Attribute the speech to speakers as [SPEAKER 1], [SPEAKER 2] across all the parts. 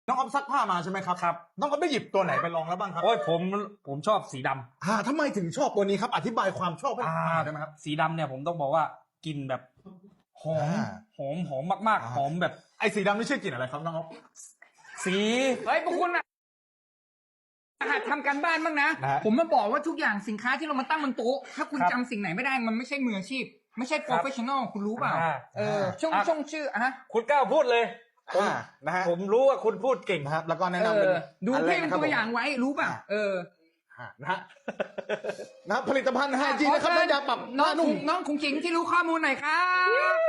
[SPEAKER 1] น้องอ๊อฟซักผ้ามาใช่ไหมครับ
[SPEAKER 2] ครับ
[SPEAKER 1] น้องอ๊อฟได้หยิบตัวไหนไปลองแล้วบ้างครับ
[SPEAKER 2] โอ้ยผมชอบสีดำ
[SPEAKER 1] ทำไมถึงชอบตัวนี้ครับอธิบายความชอบให้ได้ไหมครับ
[SPEAKER 2] สีดำเนี่ยผมต้องบอกว่ากลิ่นแบบหอมหอมมากๆหอมแบบ
[SPEAKER 1] ไอ้สีดำนี่ชื่อกลิ่นอะไรครับน้องอ๊อฟ
[SPEAKER 2] สี
[SPEAKER 3] เฮ้ยพวกคุณอะหัดทำการบ้านบ้างนะผมมาบอกว่าทุกอย่างสินค้าที่เรามาตั้งบนโต๊ะถ้าคุณจำสิ่งไหนไม่ได้มันไม่ใช่มืออาชีพไม่ใช่โปรเฟชชั่นอลคุณรู้เปล่าช่องชื่อ
[SPEAKER 2] คุณก้าวพูดเลย
[SPEAKER 1] นะฮะ
[SPEAKER 2] ผมรู้ว่าคุณพูดเก่ง
[SPEAKER 1] ครับแล้วก็แนะนำเป็น
[SPEAKER 3] ดูพี่เป็นตัวอย่างไว้รู้ป่ะ
[SPEAKER 1] นะฮะผลิตภัณฑ์5G นะครับน้ำยาปรับหน้านุ่ม
[SPEAKER 3] น้องคงจิงที่รู้ข้อมูลหน่อยครับ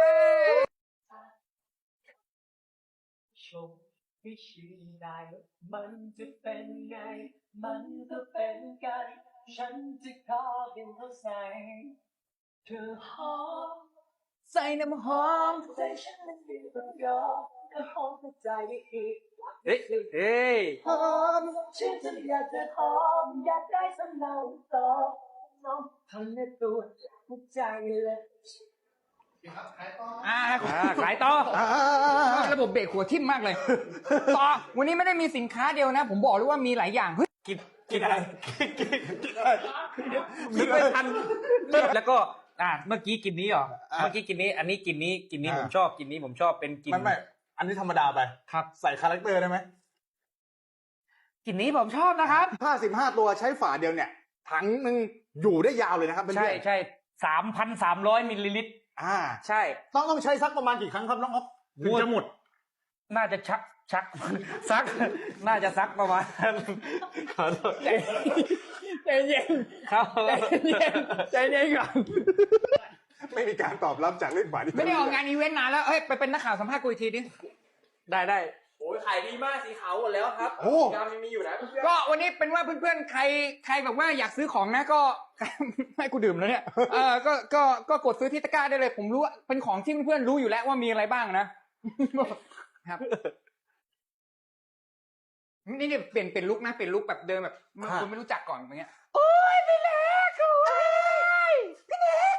[SPEAKER 4] ชมวิชีได้มันจะเป็นไงมันก็เป็นกันฉันจะขอเป็นเท่าใส่เธอหอม
[SPEAKER 3] ใส่น้ำหอม
[SPEAKER 4] ใจฉันมันเป็นแบบยอมก็หอมหัวใจอีก
[SPEAKER 2] เฮ้ย
[SPEAKER 4] หอมฉันจะอยากจะหอมอยากได้สำเนาต่อน้องทำในตัวหัวใจเลย
[SPEAKER 3] ขายต่อระบบเบรกหัวทิ่มมากเลยต่อวันนี้ไม่ได้มีสินค้าเดียวนะผมบอกเลยว่ามีหลายอย่างเฮ้ย
[SPEAKER 2] กินอะไรนึกไม่ทันแล้วก็เมื่อกี้กินนี้เหรอเมื่อกี้กินนี้อันนี้กินนี้ผมชอบกินนี้ผมชอบเป็นกิน
[SPEAKER 1] ไม่อันนี้ธรรมดาไป
[SPEAKER 2] ครับ
[SPEAKER 1] ใส่คาแรคเตอร์ได้ไหม
[SPEAKER 3] กินนี้ผมชอบนะครับ
[SPEAKER 1] 55ตัวใช้ฝาเดียวเนี่ยถังนึงอยู่ได้ยาวเลยนะครับ
[SPEAKER 2] ใช่ 3,300 มิลลิลิตรใช่
[SPEAKER 1] ต้องใช้ซักประมาณกี่ครั้งครับน้องอ๊อฟถึงจะหมด
[SPEAKER 2] น่าจะชักซักน่าจะซักประมาณขอโทษ
[SPEAKER 3] ใจเย็น
[SPEAKER 2] ครับ
[SPEAKER 3] ใจเย็นก่อน
[SPEAKER 1] ไม่มีการตอบรับจากเล่นหวาน
[SPEAKER 3] ไม่ได้ออกงานอีเวนต์นานแล้วเฮ้ยไปเป็นนักข่าวสัมภาษณ์กูอีกทีดิ
[SPEAKER 2] ได้
[SPEAKER 4] โอ้ยขายดีมากสีขาวหมดแล้วครับยามยังมีอยู่นะ
[SPEAKER 3] ก็วันนี้เป็นว่าเพื่อนๆใครแบบว่าอยากซื้อของนะก็ให้กูดื่มแล้วเนี่ยก็กดซื้อที่ตะกร้าได้เลยผมรู้ว่าเป็นของที่เพื่อนๆรู้อยู่แล้วว่ามีอะไรบ้างนะครับนี่เปลี่ยนลุคนะเปลี่ยนลุคแบบเดิมแบบคุณไม่รู้จักก่อนอย่างเงี้ยโอ้ยพี่เล็กโอ้ยพี่เล็ก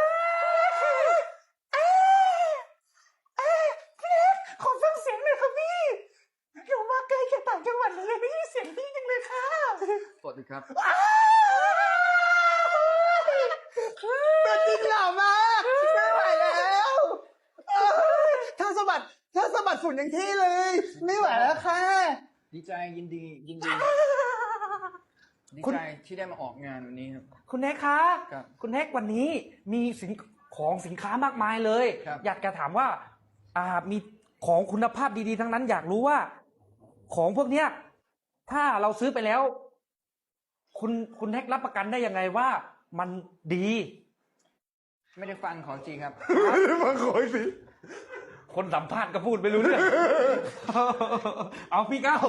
[SPEAKER 3] พี่เล็กขอฟังเสียงหน่อยครับพี่อยู่มาไกลจากต่างจังหวัดเลยไม่ได้เสียงพี่จังเลยค่ะสวัสดีครับ
[SPEAKER 1] ตัวจริงหล่อมากไม่ไหวแล้วถ้าสะบัดฝุ่นอย่างที่เลยไม่ไหวแล้วค่ะ
[SPEAKER 3] ดีใจยินดีดีใจที่ได้มาออกงานวันนี้ครับ
[SPEAKER 2] คุณแฮกคะคุณแฮกวันนี้มีสินค้ามากมายเลยอยากจะถามว่ามีของคุณภาพดีๆทั้งนั้นอยากรู้ว่าของพวกเนี้ยถ้าเราซื้อไปแล้วคุณแฮกรับประกันได้ยังไงว่ามันดี
[SPEAKER 3] ไม่ได้ฟังของจริงครับ
[SPEAKER 1] ไม่ได้ฟังของจริง
[SPEAKER 2] คนสัมภาษณ์ก็พูดไม่รู้เรื่องเอาพี่ก้าว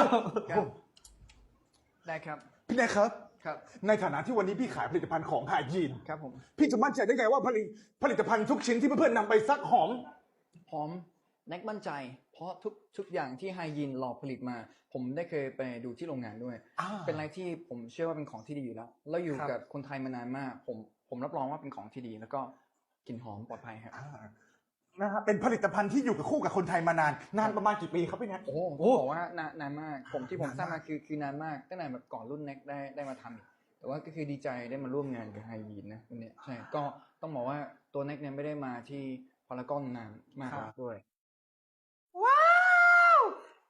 [SPEAKER 3] ได้ครับ
[SPEAKER 1] พี่แนกครับ
[SPEAKER 3] ครับ
[SPEAKER 1] ในฐานะที่วันนี้พี่ขายผลิตภัณฑ์ของHYGENE
[SPEAKER 3] ครับผม
[SPEAKER 1] พี่จะมั่นใจได้ไงว่าผลิตภัณฑ์ทุกชิ้นที่เพื่อนๆนำไปซักหอม
[SPEAKER 3] แน็กมั่นใจเพราะทุกอย่างที่HYGENEหล่อผลิตมาผมได้เคยไปดูที่โรงงานด้วยเป็นอะไรที่ผมเชื่อว่าเป็นของที่ดีอยู่แล้วเราอยู่กับคนไทยมานานมากผมรับรองว่าเป็นของที่ดีแล้วก็กลิ่นหอมปลอดภัยครับ
[SPEAKER 1] นะครับเป็นผลิตภัณฑ์ที่อยู่กับคู่กับคนไทยมานานประมาณกี่ปีครับพี่แน็ก
[SPEAKER 3] โอ้บอกว่านานมากผมทราบมาคือนานมากตั้งแต่แบบก่อนรุ่นแน็กได้มาทำอีกแต่ว่าก็คือดีใจได้มาร่วมงานกับHYGENEนะวันนี้ใช่ก็ต้องบอกว่าตัวแน็กเนี่ยไม่ได้มาที่พารากอนนานมากด้วยว้าว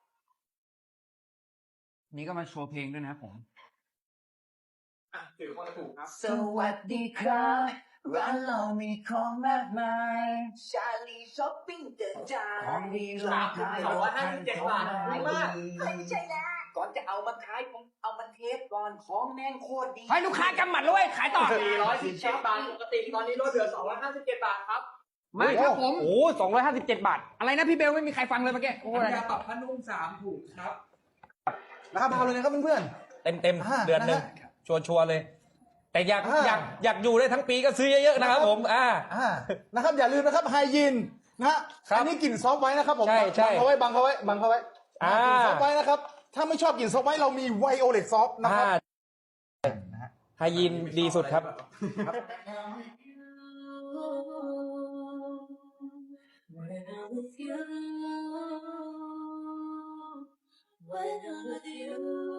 [SPEAKER 3] นี่ก็มาโชว์เพลงด้วยนะผม
[SPEAKER 4] ถือคนถูกครับ
[SPEAKER 3] สวัสดีครับร้านเรามีของมากมายชาลีช้อปปิ้งเดินจานของดีราคา
[SPEAKER 4] 257 บาทไม่มาก
[SPEAKER 5] ไม่ใช่แล้ว
[SPEAKER 4] ก่อนจะเอามาขายผมเอามาเทสก่อนของแม่งโคตรดี
[SPEAKER 3] ให้ลูกค้ากำหมัดเลยขายต่อ
[SPEAKER 4] 417 บาทปกติตอนนี้ลดเหลือ257 บาทครับ
[SPEAKER 3] ไม่ครับผม
[SPEAKER 2] 257 บาท
[SPEAKER 3] อะไรนะพี่เบลไม่มีใครฟังเลยเมื่อกี้
[SPEAKER 4] ยาปรับผ้านุ่ม3 ถุงครับ
[SPEAKER 1] นะครับเอาเลยนะครับเพื่อน
[SPEAKER 2] ๆเต็มเดือนนึงชัวร์เลยแต่อยากอยู่ได้ทั้งปีก็ซื้อเยอะๆนะครับผม
[SPEAKER 1] นะครับอย่าลืมนะครับHYGENEนะฮะอันนี้กลิ่นซอฟต์ไว้นะครับผม
[SPEAKER 2] ใช่
[SPEAKER 1] บังเขาไว้กลิ่นซอฟต์ไว้นะครับถ้าไม่ชอบกลิ่นซอฟต์ไว้เรามีไวโอเลตซอฟต์นะครับ
[SPEAKER 2] HYGENEดีสุดครับ
[SPEAKER 4] when I'm with you.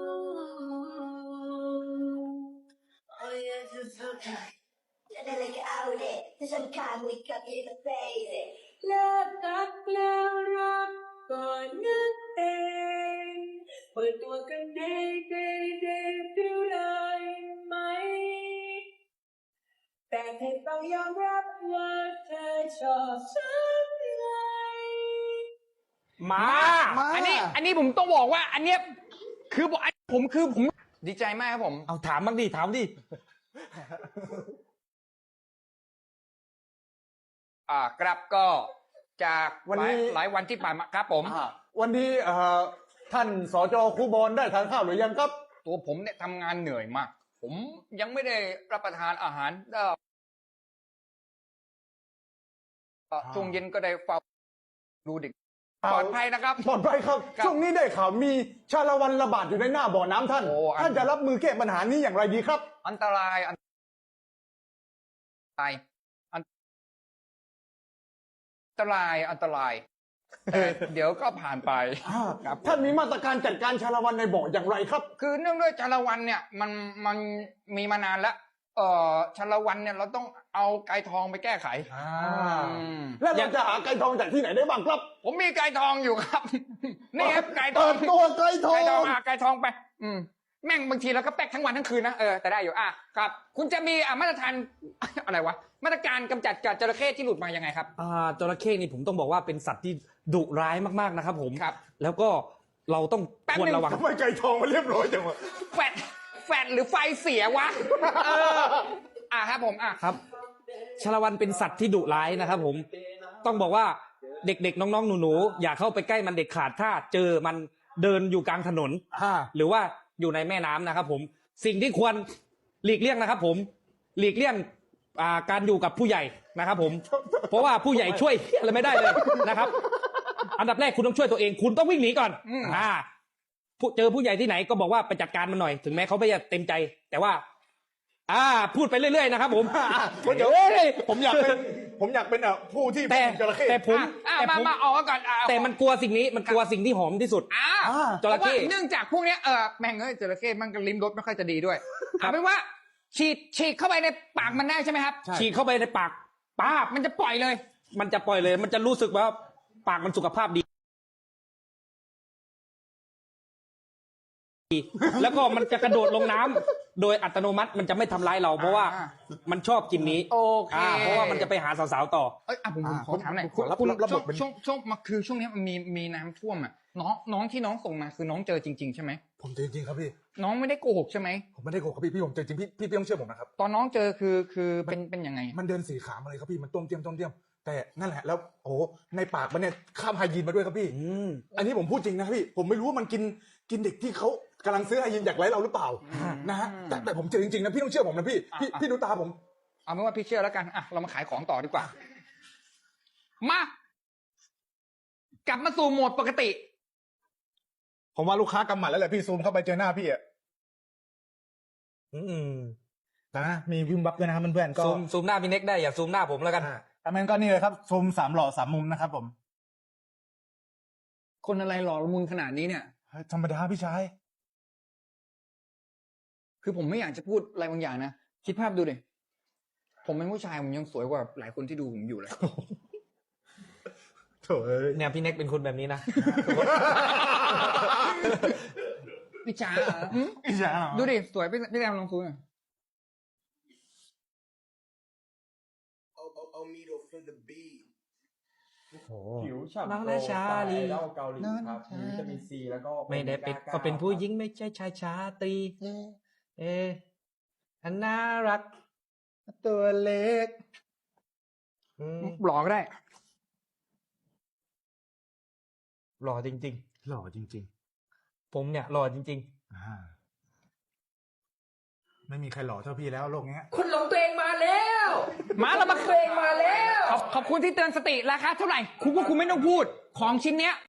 [SPEAKER 4] Oh yeah, just okay. จะได้เลยก็เอาเด็ถ้าฉันขาดมือกับยืนกับเฟย์เลิกรักแล้วรักก่อนนั่นเองเปิดตัวกันได้ฟิวได้ไหมแต่เธอต้องยอมรับว่าเธอชอบฉันไง
[SPEAKER 2] มา
[SPEAKER 3] อันนี้ผมต้องบอกว่า อันเนี้ยคือผมดีใจมากครับผม
[SPEAKER 2] เอาถามบ้างดิถามดิ
[SPEAKER 3] ครับก็จาก
[SPEAKER 1] วันนี้
[SPEAKER 3] หลายวันที่ผ่านมาครับผม
[SPEAKER 1] วันนี้ท่านสจครูบอลได้ทานข้าวหรือยังครับ
[SPEAKER 3] ตัวผมเนี่ยทำงานเหนื่อยมาก ผมยังไม่ได้รับประทานอาหารช่วงเย็นก็ได้เฝ้าดูเด็กปลอดภัยนะครับ
[SPEAKER 1] ปลอดภัยครับ
[SPEAKER 3] ครับ
[SPEAKER 1] ช่วงนี้ได้ข่าวมีชาละวันระบาดอยู่ในหน้าบ่อน้ำท่าน
[SPEAKER 3] โอ้
[SPEAKER 1] ท่านจะรับมือแก้ปัญหานี้อย่างไรดีครับ
[SPEAKER 3] อันตรายอันตรายแต่เดี๋ยวก็ผ่านไป ครับ
[SPEAKER 1] ท่านมีมาตรการจัดการชาละวันในบ่ออย่างไรครับ
[SPEAKER 3] คือเนื่องด้วยชาละวันเนี่ยมันมีมานานแล้วชาละวันเนี่ยเราต้องเอาไก่ทองไปแก้ไขอืม
[SPEAKER 1] แล้วเราจะหาไก่ทองจากที่ไหนได้บ้างครับ
[SPEAKER 3] ผมมีไก่ทองอยู่ครับ นี่ครับไก่ท
[SPEAKER 1] เปิ
[SPEAKER 3] อง
[SPEAKER 1] ดตัวไก่ทอง
[SPEAKER 3] ไก่ทองไก่ทองไป แม่งบางทีเราก็แป๊กทั้งวันทั้งคืนนะแต่ได้อยู่ครับ คุณจะมีมาตรฐาน อะไรวะมาตรการกำจัดจระเข้ที่หลุดมายังไงครับ
[SPEAKER 2] จระเข้นี่ผมต้องบอกว่าเป็นสัตว์ที่ดุร้ายมากๆนะครับผม
[SPEAKER 3] ครับ
[SPEAKER 2] แล้วก็เราต้อง
[SPEAKER 3] แป๊บ
[SPEAKER 2] ควร
[SPEAKER 3] นึง
[SPEAKER 2] ระวัง
[SPEAKER 1] ทำไมไก่ทองมันเรียบร้อยจังวะ
[SPEAKER 3] แฟดหรือไฟเสียวะครับผม
[SPEAKER 2] ครับชาละวันเป็นสัตว์ที่ดุร้ายนะครับผมต้องบอกว่าเด็กๆน้องๆหนูๆอย่าเข้าไปใกล้มันเด็ดขาดถ้าเจอมันเดินอยู่กลางถนนหรือว่าอยู่ในแม่น้ำนะครับผมสิ่งที่ควรหลีกเลี่ยงนะครับผมหลีกเลี่ยงการอยู่กับผู้ใหญ่นะครับผมเพราะว่าผู้ใหญ่ช่วยอะไรไม่ได้เลยนะครับอันดับแรกคุณต้องช่วยตัวเองคุณต้องวิ่งหนีก่อนเจอผู้ใหญ่ที่ไหนก็บอกว่าไปจัดการมันหน่อยถึงแม้เขาไม่จะเต็มใจแต่ว่าพูดไปเรื่อยๆนะครับผม
[SPEAKER 1] เดี๋ยวผมอยากเป็นผู้ที่
[SPEAKER 2] แต่
[SPEAKER 1] จระเข้
[SPEAKER 2] แต่ผม
[SPEAKER 3] มาออกมาก่อน
[SPEAKER 2] แต่มันกลัวสิ่งนี้มันกลัวสิ่งที่หอมที่สุดจระเข้
[SPEAKER 3] เนื่องจากพวกเนี้ยแม่งจระเข้มันก็ลิ้มรสไม่ค่อยจะดีด้วยเอาเป็นว่าฉีดเข้าไปในปากมันได้ใช่ไหมครับ
[SPEAKER 2] ฉีดเข้าไปในปาก
[SPEAKER 3] มันจะปล่อยเลย
[SPEAKER 2] มันจะรู้สึกว่าปากมันสุขภาพดีแล้วก็มันจะกระโดดลงน้ำโดยอัตโนมัติมันจะไม่ทำร้ายเราเพราะว่ามันชอบกินนี้
[SPEAKER 3] โอเค
[SPEAKER 2] เพราะว่ามันจะไปหาสาวๆต่อ
[SPEAKER 3] ผมขอถามหน่อย
[SPEAKER 1] ขอรับระบบเป็น
[SPEAKER 3] ช่วงนี้มันมีน้ำท่วมน้องที่น้องส่งมาคือน้องเจอจริงๆใช่ไหม
[SPEAKER 1] ผมเจอจริงครับพี่
[SPEAKER 3] น้องไม่ได้โกหกใช่ไหม
[SPEAKER 1] ผมไม่ได้โกหกครับพี่ผมเจอจริงพี่ต้องเชื่อผมนะครับ
[SPEAKER 3] ตอนน้องเจอคือเป็นยังไง
[SPEAKER 1] มันเดินสี่ขามาเลยครับพี่มันต้มเตี้ยมแต่นั่นแหละแล้วโอ้ในปากมันเนี่ยข้ามไฮยีนมาด้วยครับพี่อันนี้ผมพูดจริงนะพี่ผมไม่รู้ว่ามันกินเด็กที่เขากำลังซื้อไฮยีนจากไร้เราหรือเปล่านะฮะแต่ผมเจอจริงๆนะพี่ต้องเชื่อผมนะพี่ดูตาผม
[SPEAKER 3] เอาเป็นว่าพี่เชื่อแล้วกันเรามาขายของต่อดีกว่ามากลับมาสู่โหมดปกติ
[SPEAKER 1] ผมว่าลูกค้ากำหมัดแล้วแหละพี่ซูมเข้าไปเจอหน้าพี่อ่ะแต่นะมีวิมบับด้วยนะครับเพื่อนๆก็
[SPEAKER 2] ซูมหน้าพี่เน็กได้อย่าซูมหน้าผมแล้วกัน
[SPEAKER 1] แต่มันก็นี่เลยครับซูม3 หล่อ 3 มุมนะครับผม
[SPEAKER 3] คนอะไรหล่อละมุนขนาดนี้เนี่ย
[SPEAKER 1] ธรรมดาพี่ชาย
[SPEAKER 3] คือผมไม่อยากจะพูดอะไรบางอย่างนะคิดภาพดูดิผมเป็นผู้ชายผมยังสวยกว่าหลายคนที่ดูผมอยู่เลย
[SPEAKER 1] โถ่
[SPEAKER 2] เนี่ยพี่เน็กเป็นคนแบบนี้นะ
[SPEAKER 3] พี่จ๋า
[SPEAKER 1] พี่ชาย
[SPEAKER 3] ดูดิสวยพี่แรมลองซูมหน่อย
[SPEAKER 5] ผิวฉ่ำ
[SPEAKER 2] น้อง
[SPEAKER 5] โกล
[SPEAKER 2] นา
[SPEAKER 5] ว์
[SPEAKER 2] ชา
[SPEAKER 5] สไต
[SPEAKER 2] ลี
[SPEAKER 5] ล์เหล้าเกาหลีครับมีวิตามินซีแล้วก็
[SPEAKER 2] ไม่ได้เป็นก็เป็นผู้หญิงไม่ใช่ชายชาตรีอันน่ารัก
[SPEAKER 1] ตัวเล็ก
[SPEAKER 3] หล่อก็ได้
[SPEAKER 2] หล่อจริง
[SPEAKER 1] หล่อจริง
[SPEAKER 2] ๆผมเนี่ยหล่อจริง
[SPEAKER 1] ไม่มีใครหล่อเท่าพี่แล้วโลกนี้
[SPEAKER 3] คุณหลงตัวเองมาแล้วเรามาตัวเองมาแล้วขอบคุณที่เตือนสติราคาเท่าไหร่คุณไม่ต้องพูดของชิ้นเนี้ย